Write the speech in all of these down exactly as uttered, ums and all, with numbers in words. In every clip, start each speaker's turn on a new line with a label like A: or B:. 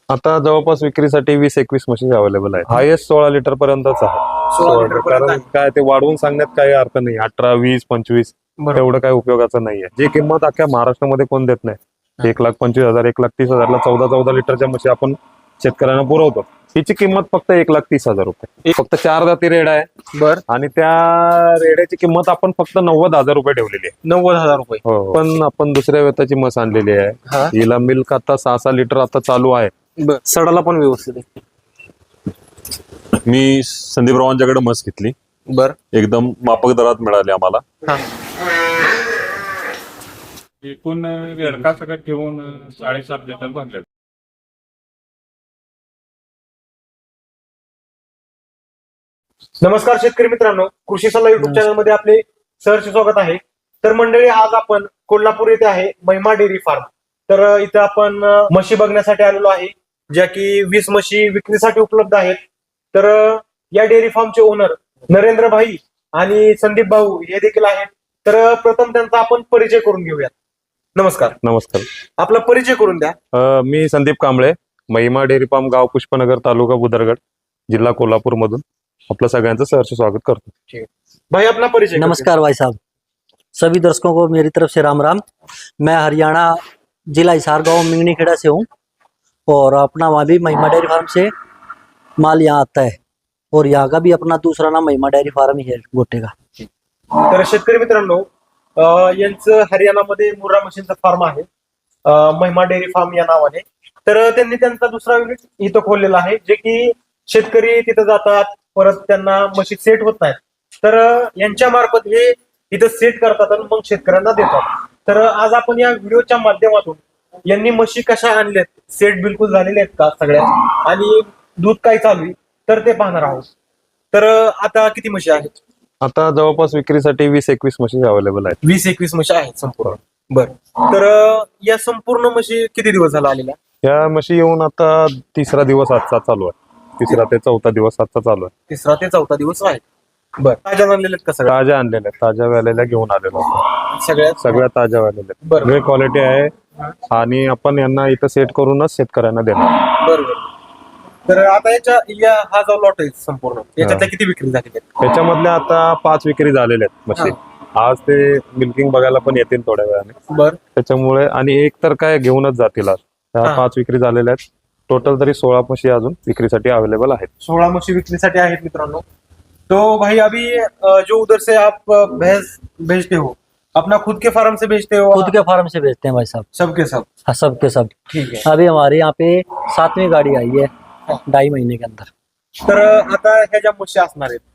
A: आता जवळपास विक्रीसाठी वीस एकवीस मशीन अवेलेबल आहे. हायेस्ट सोळा लिटर पर्यंतच आहे.
B: सोळा लिटर पर्यंत
A: कारण
B: आहे.
A: काय ते वाढवून सांगण्यात काही अर्थ नाही. अठरा वीस पंचवीस
B: बरोबर.
A: एवढं काही उपयोगाचं नाहीये. जी किंमत अख्ख्या महाराष्ट्रामध्ये कोण देत नाही. एक लाख पंचवीस हजार एक लाख तीस हजारला चौदा चौदा लिटरच्या म्हशी आपण शेतकऱ्यांना पुरवतो. हिची किंमत फक्त एक लाख तीस हजार रुपये. फक्त चार जाती रेड आहे
B: बर
A: आणि त्या रेड्याची किंमत आपण फक्त नव्वद हजार रुपये ठेवलेली आहे.
B: नव्वद हजार रुपये
A: हो, पण आपण दुसऱ्या वेताची म्हस आणलेली
B: हा.
A: आहे. हिला मिल्क आता सहा सहा लिटर आता चालू आहे.
B: बर सडाला पण व्यवस्थित आहे.
C: मी संदीप रावांच्याकडे म्हस घेतली.
B: बर
C: एकदम माफक दरात मिळाली आम्हाला.
B: हा
D: एकूण रेडका सगळं ठेवून साडेसात लिटर भरले.
B: नमस्कार शेतकरी मित्रांनो, कृषी सल्ला युट्यूब चॅनल मध्ये आपले सहर्ष स्वागत आहे. तर मंडळी, आज आपण कोल्हापूर येथे आहे महिमा डेअरी फार्म. तर अ, इथं आपण अ, म्हशी बघण्यासाठी आलेलो आहे, ज्या की वीस म्हशी विक्रीसाठी उपलब्ध आहेत. तर अ, या डेअरी फार्मचे ओनर नरेंद्र भाई आणि संदीप भाऊ हे देखील आहेत. तर अ, प्रथम त्यांचा आपण परिचय करून घेऊयात. नमस्कार,
A: नमस्कार.
B: आपला परिचय करून द्या.
A: अ, मी संदीप कांबळे, महिमा डेअरी फार्म, गाव पुष्पनगर, तालुका बुदरगड, जिल्हा कोल्हापूर मधून आपलं सगळ्यांचं सहर्ष स्वागत करतो.
B: भाई अपना परिचय करून
E: नमस्कार भाई साहब, सभी दर्शकों को मेरी तरफ से राम राम। मैं हरियाणा जिला हिसार गांव मिंगनीखेड़ा से हूँ और अपना वहाँ भी महिमा डेयरी फार्म से माल यहाँ आता है और यहाँ का भी अपना दूसरा नाम महिमा डेयरी फार्म ही है गोटे का।
B: द्या. तर शेतकरी मित्रांनो, अ, यांचं हरियाणामध्ये मुर्रा मशीनचा फार्म आहे, अ, महिमा डेअरी फार्म या नावाने. तर त्यांनी त्यांचा दुसरा युनिट इथं खोललेला आहे, जे की शेतकरी तिथं जातात, परत त्यांना म्हशी सेट होत नाहीत. तर अ, यांच्या मार्फत हे इथं सेट करतात आणि मग शेतकऱ्यांना देतात. तर अ, आज आपण या व्हिडिओच्या माध्यमातून यांनी म्हशी कशा आणल्यात, सेट बिलकुल झालेले आहेत का सगळ्या, आणि दूध काय चालू आहे, तर ते पाहणार आहोत. तर अ, आता किती म्हशी आहेत?
A: आता जवळपास विक्रीसाठी वीस एकवीस मशीन अवेलेबल आहेत.
B: वीस एकवीस म्हशी आहेत संपूर्ण. बर, तर अ, या संपूर्ण म्हशी किती दिवस झाला आलेल्या?
A: या म्हशी येऊन आता तिसरा दिवस आजचा चालू आहे. तिसरा ते चौथा दिवस आजचा चालू आहे.
B: तिसरा ते चौथा दिवस आहे. बर, ताज्या आणलेल्या आहेत का सगळ्या?
A: ताज्या आणलेल्या आहेत, ताज्या व्यालेल्या घेऊन आलेलो आहोत.
B: सगळ्यात
A: सगळ्या ताज्या व्यालेल्या आहेत.
B: बरं.
A: वेगळी क्वालिटी आहे आणि आपण यांना इथं सेट करूनच शेतकऱ्यांना देणार.
B: बरोबर. तर आता याच्या या हा जो लॉट आहे संपूर्ण, याच्यातल्या किती विक्री झालेल्या आहेत?
A: त्याच्यामधल्या आता पाच विक्री झालेल्या आहेत म्हशी. आज ते मिल्किंग बघायला पण येतील थोड्या वेळाने.
B: बर,
A: त्याच्यामुळे आणि एक तर काय घेऊनच जातील आज. त्या
B: हा.
A: पाच विक्री झालेल्या आहेत. टोटल तरी सोळा म्हशी अजून विक्रीसाठी अवेलेबल आहेत.
B: सोळा म्हशी विक्रीसाठी आहेत मित्रांनो. तो भाई अभी अ, जो उधर से आप अ, भैंस भेजते हो, अपना खुद के फार्म से भेजते हो?
E: खुद के फार्म से बेचते हैं भाई साहब,
B: सबके सब?
E: हाँ सब के सब।
B: ठीक है.
E: अभी हमारे यहाँ पे सातवीं गाड़ी आई है ढाई महीने के अंदर।
B: तर आता ह्या ज्या म्हशी असणार आहेत,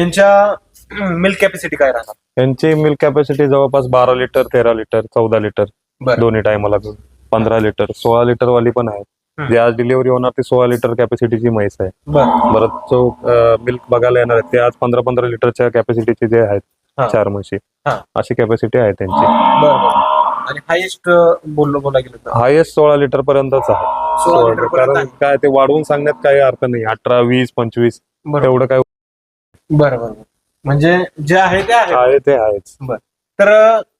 B: यांच्या मिल्क कॅपॅसिटी काय राहणार?
A: यांची मिल्क कॅपॅसिटी जवळपास बारा लिटर तेरा लिटर चौदा लिटर
B: बरं.
A: दोन्ही टायमाला पंधरा लिटर सोळा लिटर वाली पण आहे.
B: हम्म.
A: जे आज डिलिव्हरी होणार ती सोळा लिटर कॅपॅसिटीची म्हैस आहे.
B: बर,
A: परत जो मिल्क बघायला येणार आहेत ते आज पंधरा पंधरा लिटरच्या कॅपॅसिटीचे जे आहेत
B: हा.
A: चार म्हशी,
B: हा.
A: अशी कॅपॅसिटी आहे त्यांची.
B: बर बर. आणि हायेस्ट बोललो बोला गेलं तर
A: हायेस्ट सोळा लिटर पर्यंतच आहे.
B: सोळा लिटर पर्यंत
A: कारण
B: आहे.
A: काय ते वाढवून सांगण्यात काही अर्थ नाही. अठरा वीस पंचवीस
B: बरोबर.
A: एवढं काय
B: बरं बरं. म्हणजे जे आहे ते आहे.
A: आहे ते आहेच.
B: तर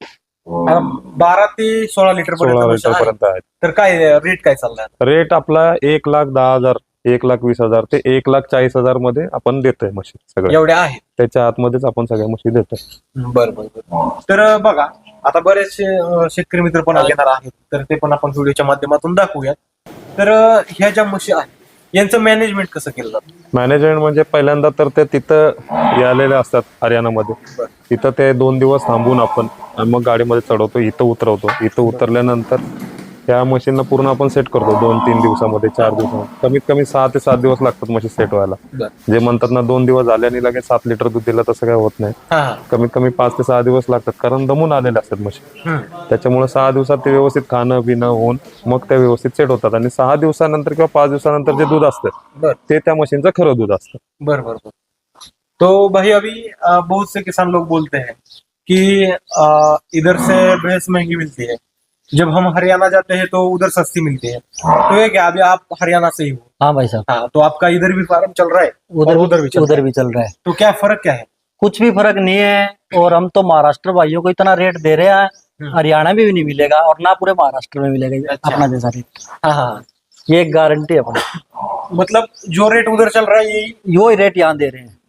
B: अ, बारा ते सोळा लिटर
A: सोळा
B: पर्यंत
A: लिटर
B: आहे.
A: पर्यंत आहेत.
B: तर काय रेट काय चाललाय?
A: रेट आपला एक लाख दहा हजार एक लाख वीस हजार ते एक लाख चाळीस हजार मध्ये आपण देतोय म्हशी सगळ्या.
B: एवढ्या आहेत?
A: त्याच्या आतमध्येच आपण सगळ्या म्हशी देतोय.
B: बरं बरं बरं. तर अ, बघा, आता बरेचसे अ, शेतकरी मित्र पण घेणार आहेत, तर ते पण आपण व्हिडिओच्या माध्यमातून दाखवूयात. तर अ, ह्या ज्या म्हशी आहेत यांचं मॅनेजमेंट कसं केलं जातं?
A: मॅनेजमेंट म्हणजे पहिल्यांदा तर ते तिथं आलेले असतात हरियाणामध्ये.
B: बरं.
A: तिथं ते दोन दिवस थांबून आपण आणि मग गाडीमध्ये चढवतो, इथं उतरवतो. इथं उतरल्यानंतर त्या मशीनला पूर्ण आपण सेट करतो. दोन तीन दिवसामध्ये चार दिवसामध्ये कमीत कमी सहा ते सात दिवस लागतात म्हशी सेट व्हायला.
B: बरं.
A: जे म्हणतात ना दोन दिवस झाले आणि लगेच सात लिटर दूध दिलं, तसं काय होत नाही.
B: हा हा.
A: कमीत कमी पाच ते सहा दिवस लागतात, कारण दमून आलेले असतात म्हशी.
B: हम्म.
A: त्याच्यामुळे सहा दिवसात ते व्यवस्थित खाणं पिणं होऊन मग त्या व्यवस्थित सेट होतात. आणि सहा दिवसानंतर किंवा पाच दिवसानंतर जे दूध असतं
B: बरं
A: ते त्या मशीनचं खरं दूध असतं.
B: बरं बरं बरं. तो भाई अभी अ, बहुत से किसान लोग बोलते हैं कि अ, इधर से भैंस महंगी मिलती है, जब हम हरियाणा जाते हैं तो उधर सस्ती मिलती है. तो ये क्या अभी आप हरियाणा से ही हो?
E: हाँ भाई साहब,
B: हाँ, तो आपका इधर भी फार्म चल रहा है
E: उधर
B: और उधर भी चल
E: उधर
B: रहा है.
E: भी चल रहा है।
B: तो क्या फर्क क्या है?
E: कुछ भी फर्क नहीं है, और हम तो महाराष्ट्र भाइयों को इतना रेट दे रहे हैं,
B: हम्म.
E: हरियाणा में भी नहीं मिलेगा और ना पूरे महाराष्ट्र में मिलेगा
B: अच्छा.
E: अपना जैसा रेट।
B: हाँ हाँ.
E: ये एक गारंटी है अपनी।
B: मतलब जो रेट उधर चल रहा है यही।
E: यो ही रेट यहाँ दे रहे हैं।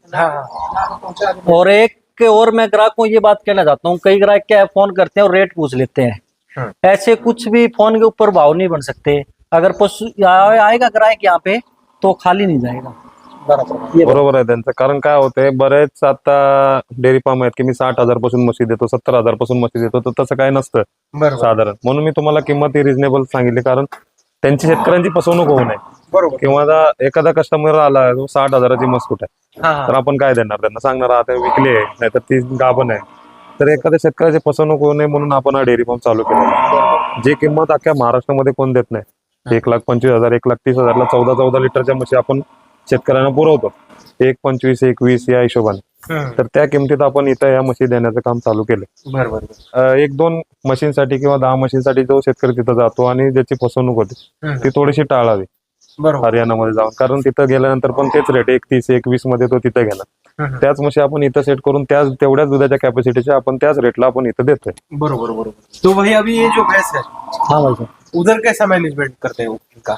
B: हाँ
E: और एक और मैं ग्राहक को ये बात कहना चाहता हूँ, कई ग्राहक क्या है, फोन करते हैं और रेट पूछ लेते हैं।
B: हाँ।
E: ऐसे कुछ भी फोन के ऊपर भाव नहीं बन सकते। अगर पशु आ- आएगा ग्राहक यहाँ पे तो खाली नाही जाएगा।
B: बरोबर
E: ये बघा.
A: बरोबर आहे त्यांचं. कारण काय होतंय, बरेच आता डेअरी फार्म आहेत की मी साठ हजार पासून म्हशी देतो, सत्तर हजार पासून म्हशी देतो, तर तसं काय नसतं
B: बरोबर
A: साधारण. म्हणून मी तुम्हाला किंमत ही रिझनेबल सांगितली, कारण त्यांची शेतकऱ्यांची फसवणूक होऊ नये.
B: बरोबर
A: किंवा आता एखादा कस्टमर आला, तो साठ हजाराची म्हस कुठे आहे,
B: हा
A: तर आपण काय देणार त्यांना? सांगणार आता विकली आहे, नाहीतर ती गाभण आहे. तर एखाद्या शेतकऱ्याची फसवणूक होऊ नये म्हणून आपण हा डेअरी फार्म चालू केला. जी किंमत अख्ख्या महाराष्ट्रामध्ये कोण देत नाही, एक लाख पंचवीस हजार एक लाख तीस हजारला चौदा चौदा लिटरच्या म्हशी आपण शेतकऱ्यांना पुरवतो, एक पंचवीस एक वीस या हिशोबाने.
B: हम्म.
A: तर त्या किमतीत आपण इथं या म्हशी देण्याचं काम चालू केलं.
B: बरोबर
A: अं, एक दोन मशीनसाठी किंवा दहा मशीनसाठी जो शेतकरी तिथं जातो आणि ज्याची फसवणूक होते
B: हम्म.
A: ती थोडीशी टाळावी
B: बरोबर
A: हरियाणामध्ये जाऊन. कारण तिथं गेल्यानंतर पण तेच रेट एकतीस एकवीस मध्ये तो तिथं घेणार.
B: हम्म.
A: त्याच म्हशी आपण इथं सेट करून त्याच तेवढ्याच दुधाच्या कॅपॅसिटीच्या आपण त्याच रेटला आपण इथं देतोय.
B: बरोबर बरोबर. तो भाई अभी ये जो भैंस है
E: हाँ भाई साहब,
B: उधर कैसा मैनेजमेंट करते हो उनका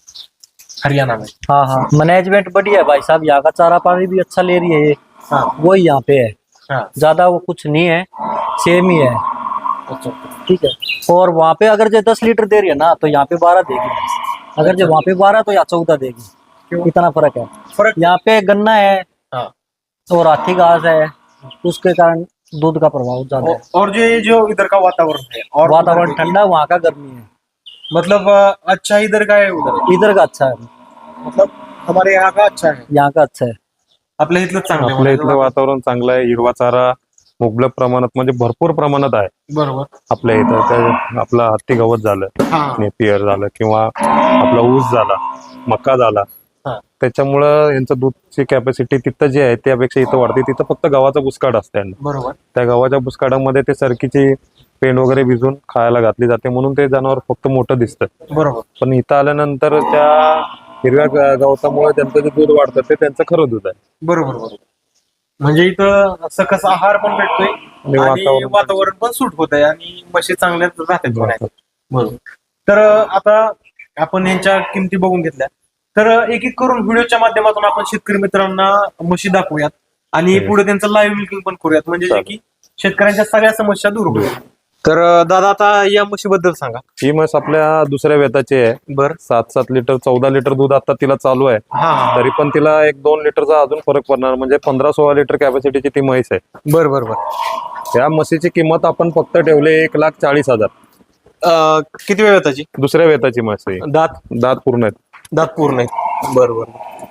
B: हरियाणा में?
E: हाँ हाँ मैनेजमेंट बढ़िया है भाई साहब। यहाँ का चारा पानी भी अच्छा ले रही है ये,
B: हाँ
E: वही यहाँ पे है।
B: हाँ
E: ज्यादा वो कुछ नहीं है, सेम ही है।
B: अच्छा
E: ठीक है। और वहाँ पे अगर जो दस लीटर दे रही है ना, तो यहाँ पे बारह देगी भैंस। अगर जो वहाँ पे बारह तो यहाँ चौदह देगी।
B: क्यों?
E: इतना फर्क है।
B: फर्क
E: यहाँ पे गन्ना है
B: हाँ
E: और हाथी घास है, उसके कारण दूध का प्रभाव ज्यादा है।
B: और जो ये जो इधर का वातावरण है और
E: वातावरण
B: उधर
E: ठंडा, वहाँ का गर्मी है।
B: मतलब अ, अच्छा इधर का है उधर
E: इधर का अच्छा है,
B: मतलब हमारे यहाँ का अच्छा है
E: यहाँ का अच्छा है।
B: आपल्या इथलं चांगलं आहे
A: आपल्या इथलं
B: म्हणायचं.
A: वातावरण चांगलं आहे, हिरवा चारा मुबलक प्रमाणात म्हणजे भरपूर प्रमाणात आहे
B: बरोबर
A: आपल्या इथं. त्या आपला हत्ती गवत झालं,
B: हा
A: नेपियर झालं, किंवा आपला ऊस झाला, मका झाला,
B: हा
A: त्याच्यामुळं यांचं दूधची कॅपॅसिटी तिथं जी आहे त्यापेक्षा इथं वाढते. तिथं फक्त गव्हाचा बुसकाड असते यांना.
B: बरोबर
A: त्या गव्हाच्या बुसकाडामध्ये ते सरकीची पेंड वगैरे भिजून खायला घातली जाते, म्हणून ते जनावर फक्त मोठं दिसतं.
B: बरोबर
A: पण इथं आल्यानंतर त्या हिरव्या ग- गवतामुळे त्यांचं जे दूध वाढतं ते त्यांचं खरं दूध आहे.
B: बरोबर बरोबर. म्हणजे इथं सकस आहार पण भेटतोय आणि
A: वातावरण-
B: वातावरण पण सूट होत आहे आणि म्हशी चांगल्या राहतात म्हणायचं. बरोबर. तर आता आपण यांच्या किमती बघून घेतल्या, तर एक एक करून व्हिडिओच्या माध्यमातून आपण शेतकरी मित्रांना म्हशी दाखवूयात आणि
A: हो.
B: पुढे त्यांचं लाईव्ह मिल्किंग पण करूयात, म्हणजे जे
A: चालेल.
B: की शेतकऱ्यांच्या सगळ्या समस्या दूर होतील. तर दादा आता या म्हशीबद्दल सांगा.
A: ही म्हस आपल्या दुसऱ्या वेताची आहे.
B: बर
A: सात सात लिटर चौदा लिटर दूध आता तिला चालू आहे.
B: हा हा
A: तरी पण तिला एक दोन लिटरचा अजून फरक पडणार, म्हणजे पंधरा सोळा लिटर कॅपॅसिटीची ती म्हैस आहे.
B: बर बर बर.
A: या म्हशीची किंमत आपण फक्त ठेवली एक लाख चाळीस हजार.
B: अं, किती वेळ त्याची
A: दुसऱ्या वेताची म्हस आहे.
B: दात
A: दात पूर्ण आहेत.
B: दात पूर्ण आहे. बर बर.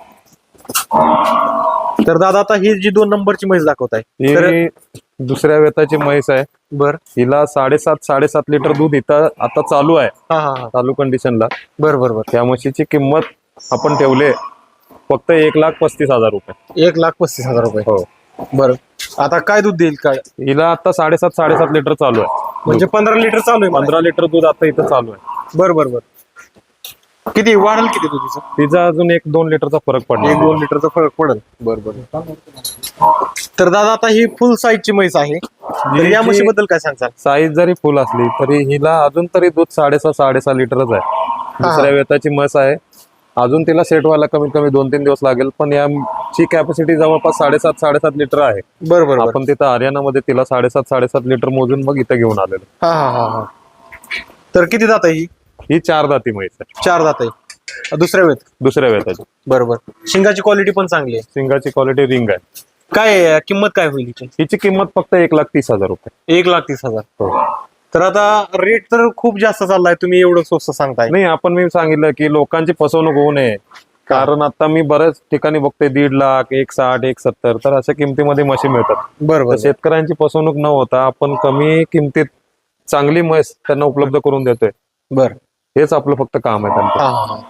B: तर दादा आता ही जी दोन नंबरची म्हैस दाखवताय तर
A: ही दुसऱ्या वेताची म्हैस आहे.
B: बर
A: हिला साडेसात साडेसात लिटर दूध इथं आता चालू आहे,
B: हा हा हा.
A: चालू कंडिशनला.
B: बर बर बर.
A: त्या म्हशीची किंमत आपण ठेवले फक्त एक लाख पस्तीस हजार रुपये.
B: एक लाख पस्तीस हजार रुपये.
A: हो.
B: बर. आता काय दूध देईल काय?
A: हिला आता साडेसात साडेसात लिटर चालू आहे.
B: म्हणजे पंधरा लिटर चालू आहे.
A: पंधरा लिटर दूध आता इथं चालू आहे.
B: बर बर बर. किती वाढेल किती दुधीचं?
A: तिचा अजून एक दोन लिटरचा फरक पडला.
B: एक दोन लिटरचा फरक पडेल. बर बर. तर दादा आता ही फुल साईजची म्हैस आहे, तर या
A: जी-
B: म्हशीबद्दल काय सांगताल?
A: साईज जरी फुल असली तरी हिला अजून तरी दूध साडेसहा साडेसहा लिटरच आहे. दुसऱ्या वेताची म्हस आहे. अजून तिला सेट व्हायला कमीत कमी दोन तीन दिवस लागेल, पण याची कॅपॅसिटी जवळपास साडेसात साडेसात लिटर आहे.
B: बर बर बर.
A: आपण तिथं हरियाणामध्ये तिला साडेसात साडेसात लिटर मोजून मग इथं घेऊन आलेलो.
B: हा हा हा हा. तर किती दात आहे ही?
A: ही चार दाती म्हैस आहे,
B: चार दात आहे. दुसऱ्या वेळेत.
A: दुसऱ्या वेताची.
B: बरोबर. शिंगाची क्वालिटी पण चांगली आहे.
A: सिंगाची क्वालिटी रिंग आहे.
B: काय आहे? किंमत काय होईल हिची?
A: हिची किंमत फक्त एक लाख तीस हजार रुपये.
B: एक लाख तीस हजार.
A: हो.
B: तर आता रेट तर खूप जास्त चाललाय, तुम्ही एवढं स्वस्त सांगताय.
A: नाही, आपण मी सांगितलं की लोकांची फसवणूक होऊ नये, कारण आता मी बऱ्याच ठिकाणी बघते दीड लाख एक साठ एक सत्तर, तर अशा किमतीमध्ये म्हशी मिळतात. तर
B: बरोबर.
A: शेतकऱ्यांची फसवणूक न होता आपण कमी किमतीत चांगली म्हैस त्यांना उपलब्ध करून देतोय.
B: बर.
A: हेच आपलं फक्त काम आहे त्यांचं.
B: हा हा हा.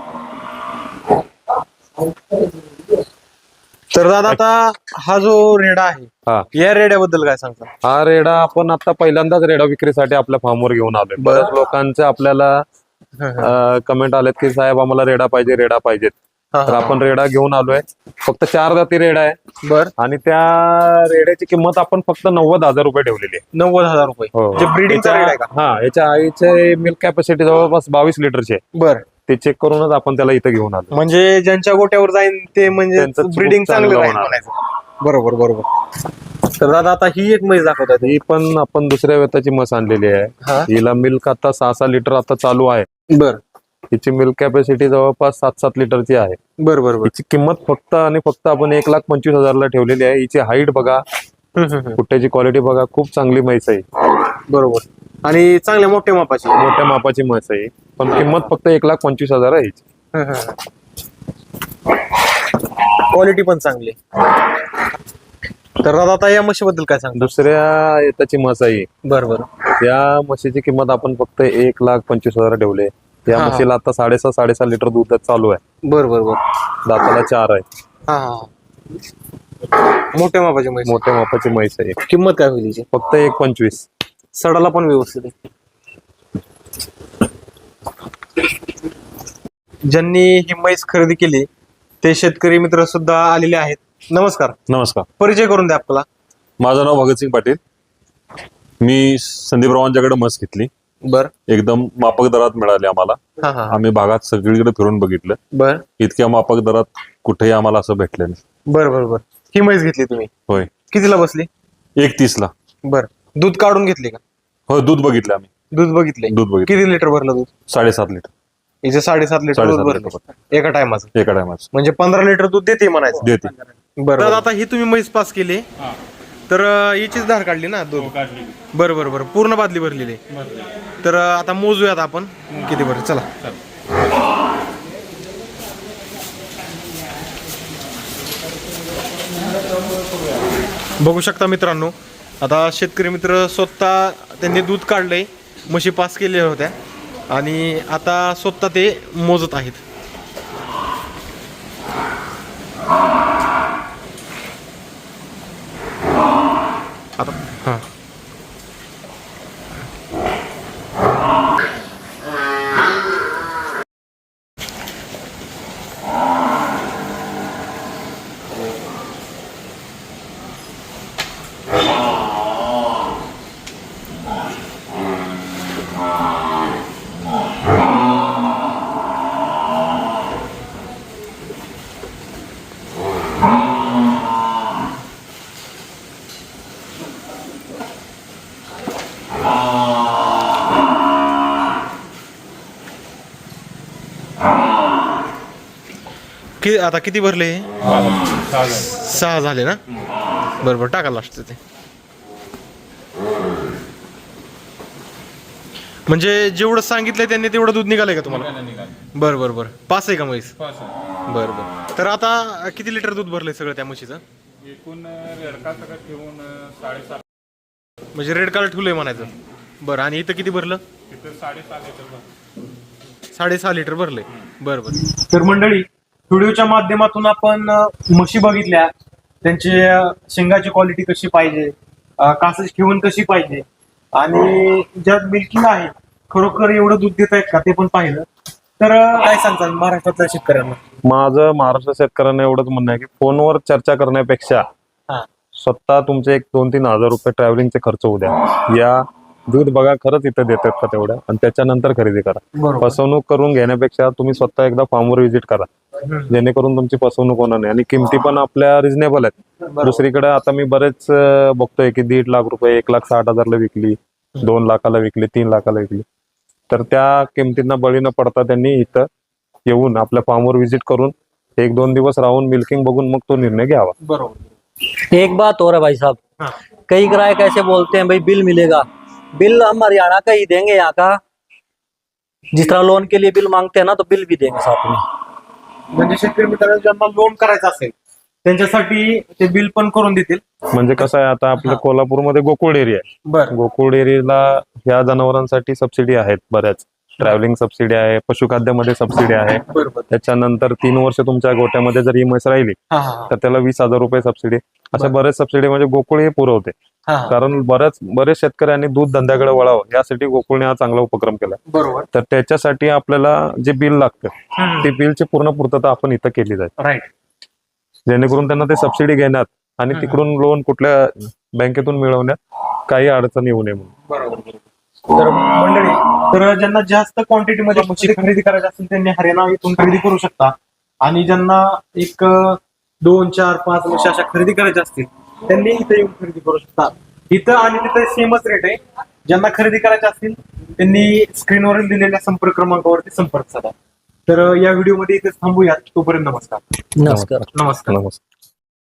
B: तर दादा आता हा जो रेडा आहे,
A: हा
B: या रेड्याबद्दल काय सांगता?
A: हा रेडा आपण आता पहिल्यांदाच रेडा विक्रीसाठी आपल्या फार्मवर घेऊन आलोय.
B: बरं.
A: बऱ्याच लोकांचे आपल्याला कमेंट आलेत की साहेब आम्हाला रेडा पाहिजे रेडा पाहिजेत.
B: हा,
A: तर
B: हा.
A: आपण रेडा घेऊन आलोय. फक्त चार जाती रेडा आहे
B: बर.
A: आणि त्या रेड्याची किंमत आपण फक्त नव्वद हजार रुपये ठेवलेली आहे.
B: नव्वद हजार रुपये.
A: हो.
B: जे ब्रीडिंगचा रेड आहे का?
A: हा, याच्या आईचे मिल्क कॅपॅसिटी जवळपास बावीस लिटरची आहे.
B: बर.
A: ते चेक करूनच आपण त्याला इथं घेऊन आलो.
B: म्हणजे ज्यांच्या गोट्यावर जाईन ते म्हणजे
A: त्यांचं खूप
B: ब्रिडिंग चांगलं
A: चांगलं
B: राहील
A: होणार.
B: म्हणायचं. बरोबर बरोबर. तर दादा आता ही एक म्हैस दाखवतात.
A: ही पण आपण दुसऱ्या वेताची म्हस आणलेली
B: हा.
A: आहे. हिला मिल्क आता सहा सहा लिटर आता चालू आहे.
B: बर
A: हिची मिल्क कॅपॅसिटी जवळपास सात सात लिटरची आहे.
B: बर बर बर.
A: हिची किंमत फक्त आणि फक्त आपण एक लाख पंचवीस हजारला ठेवलेली आहे. हिची हाईट बघा,
B: हम्म, हम्म, हम्म.
A: कुट्ट्याची क्वालिटी बघा, खूप चांगली म्हैस आहे.
B: बरोबर. आणि चांगल्या मोठ्या मापाची.
A: मोठ्या मापाची म्हैस आहे, पण किंमत फक्त एक लाख पंचवीस हजार आहे हिची.
B: क्वालिटी पण चांगली. तर दादा आता या म्हशीबद्दल काय सांगता?
A: दुसऱ्या येताची म्हस आहे.
B: बर बर.
A: त्या म्हशीची किंमत आपण फक्त एक लाख पंचवीस हजार ठेवले. या
B: हा.
A: म्हशीला आता साडेसहा साडेसहा लिटर दूध चालू आहे.
B: बर बर बर.
A: दाताला चार आहे.
B: हा हा. मोठ्या मापाची म्हैस.
A: मोठ्या मापाची म्हैस आहे.
B: किंमत काय होईल तिची?
A: फक्त एक पंचवीस.
B: सडाला पण व्यवस्थित आहे. ज्यांनी ही म्हैस खरेदी केली ते शेतकरी मित्र सुद्धा आलेले आहेत. नमस्कार.
C: नमस्कार.
B: परिचय करून द्या आपला.
C: माझं नाव भगतसिंग पाटील. मी संदीपरावांच्याकडे म्हस घेतली.
B: बर
C: एकदम माफक दरात मिळाली आम्हाला.
B: हा हा.
C: आम्ही भागात सगळीकडे फिरून बघितलं,
B: बर
C: इतक्या माफक दरात कुठेही आम्हाला असं भेटलं नाही.
B: बर बर बर. ही म्हैस घेतली तुम्ही,
C: होय.
B: कितीला बसली?
C: एक तीस ला.
B: बर. दूध काढून घेतली का?
C: हो, दूध बघितलं आम्ही.
B: दूध बघितले.
C: दूध बघितलं
B: किती लिटर भरलं दूध?
C: साडेसात लिटर.
B: हिचे साडेसात लिटर दूध
C: साडेसात
B: भरलं
C: लिटर
B: एका टायमाचं.
C: एका टायमाच
B: म्हणजे पंधरा लिटर दूध देते म्हणायचं.
C: देते.
B: बरं. तर आता ही तुम्ही म्हैस पास केली,
D: हा
B: तर अं, हिचीच धार काढली ना दूध?
D: हो, काढली.
B: बरं बरं बरं. पूर्ण बादली भरलेली आहे.
D: बरं.
B: तर अं, आता मोजूयात आपण किती भरली. चला. बघू शकता मित्रांनो, आता शेतकरी मित्र स्वतः त्यांनी दूध काढलंय, म्हशी पास केलेल्या होत्या आणि आता स्वतः ते मोजत आहेत. आता हां कि आता किती भरले हे?
D: सहा झाले.
B: सहा झाले ना? बरं बरं, टाका लास्ट ते. म्हणजे जेवढं सांगितलंय त्यांनी तेवढं दूध निघालंय का तुम्हाला?
D: निघालं, निघालं.
B: बरं बरं बरं. पाच आहे का म्हैस?
D: पाच आहे.
B: बरं बरं. तर आता किती लिटर दूध भरलंय सगळं त्या म्हशीचं?
D: एकूण रेडका सगळं ठेवून साडेसात.
B: म्हणजे रेड कार्ड ठेवलंय म्हणायचं. बरं. आणि इथं किती भरलं?
D: तिथं साडेसात लिटर भरलं.
B: साडेसहा लिटर भरलंय. बरं बरं. तर मंडळी, व्हिडिओच्या माध्यमातून आपण अ, म्हशी बघितल्या, त्यांची अ, शेंगाची क्वालिटी कशी पाहिजे, अ, कासाची ठेवण कशी पाहिजे आणि ज्यात मिल्किंग आहे खरोखर एवढं दूध देत आहेत का ते पण पाहिलं. तर अ, काय सांगताल महाराष्ट्रातल्या शेतकऱ्यांना?
A: माझं महाराष्ट्र शेतकऱ्यांना एवढंच म्हणणं आहे की फोनवर चर्चा करण्यापेक्षा
B: हा.
A: स्वतः तुमचे एक दोन तीन हजार रुपये ट्रॅव्हलिंगचे खर्च होऊ द्या. या दूध बघा खरंच इथं देतात का तेवढ्या, आणि त्याच्यानंतर खरेदी करा.
B: बरोबर.
A: फसवणूक करून घेण्यापेक्षा तुम्ही स्वतः एकदा फार्मवर व्हिजिट करा, जेणेकरून तुमची फसवणूक होणार नाही. आणि किमती पण आपल्या रिझनेबल आहेत. दुसरीकडे आता मी बरेच अं, बघतोय की दीड लाख रुपये, एक लाख साठ हजारला विकली, दोन लाखाला विकली, तीन लाखाला विकली. तर त्या किमतींना बळी न पडता त्यांनी इथं येऊन आपल्या फार्मवर व्हिजिट करून एक दोन दिवस राहून मिल्किंग बघून मग तो निर्णय घ्यावा.
B: बरोबर.
E: एक बात और है भाई साहब,
B: हाँ।
E: कई ग्राहक ऐसे बोलते हैं भाई बिल मिलेगा। बिल हम हरियाणा का ही देंगे, यहाँ का जिस तरह लोन के लिए बिल मांगते हैं ना, तो बिल भी देंगे साथ में।
B: म्हणजे शेतकरी मित्रांनो ज्यांना लोन करायचं असेल त्यांच्यासाठी ते बिल पण करून देतील.
A: म्हणजे कसं आहे, आता आपल्या कोल्हापूरमध्ये गोकुळ डेअरी आहे.
B: बरं.
A: गोकुळ डेअरीला ह्या जनावरांसाठी सबसिडी आहेत बऱ्याच. ट्रॅव्हलिंग सबसिडी आहे, पशुखाद्यामध्ये सबसिडी आहे.
B: बरोबर.
A: त्याच्यानंतर तीन वर्ष तुमच्या गोट्यामध्ये जर ही म्हैस राहिली
B: हा हा
A: तर त्याला वीस हजार रुपये सबसिडी. अशा
B: बरं.
A: बरेच सबसिडी म्हणजे गोकुळ हे पुरवते.
B: हा हा.
A: कारण बऱ्याच बरेच शेतकऱ्यांनी दूध धंद्याकडे वळावं यासाठी गोकुळने हा चांगला उपक्रम केला.
B: बरोबर.
A: तर त्याच्यासाठी आपल्याला जे बिल लागतं ते बिलची पूर्ण पूर्तता आपण इथं केली जाईल,
B: राईट.
A: जेणेकरून त्यांना ते सबसिडी घेण्यात आणि तिकडून लोन कुठल्या बँकेतून मिळवण्यात काही अडचण येऊ नये म्हणून.
B: बरोबर. तर मंडळी, तर ज्यांना जास्त क्वांटिटीमध्ये म्हशी खरेदी करायची असेल त्यांनी हरियाणा इथून खरेदी करू शकता. आणि ज्यांना एक अं, दोन चार पाच म्हशी अशा खरेदी करायच्या असतील त्यांनी इथे येऊन खरेदी करू शकता. इथं आणि तिथे सेमच रेट आहे. ज्यांना खरेदी करायचे असतील त्यांनी स्क्रीनवर दिलेल्या संपर्क क्रमांकावरती संपर्क साधा. तर अं, या व्हिडिओमध्ये इथेच थांबूयात. तोपर्यंत नमस्कार.
E: नमस्कार.
B: नमस्कार.
A: नमस्कार.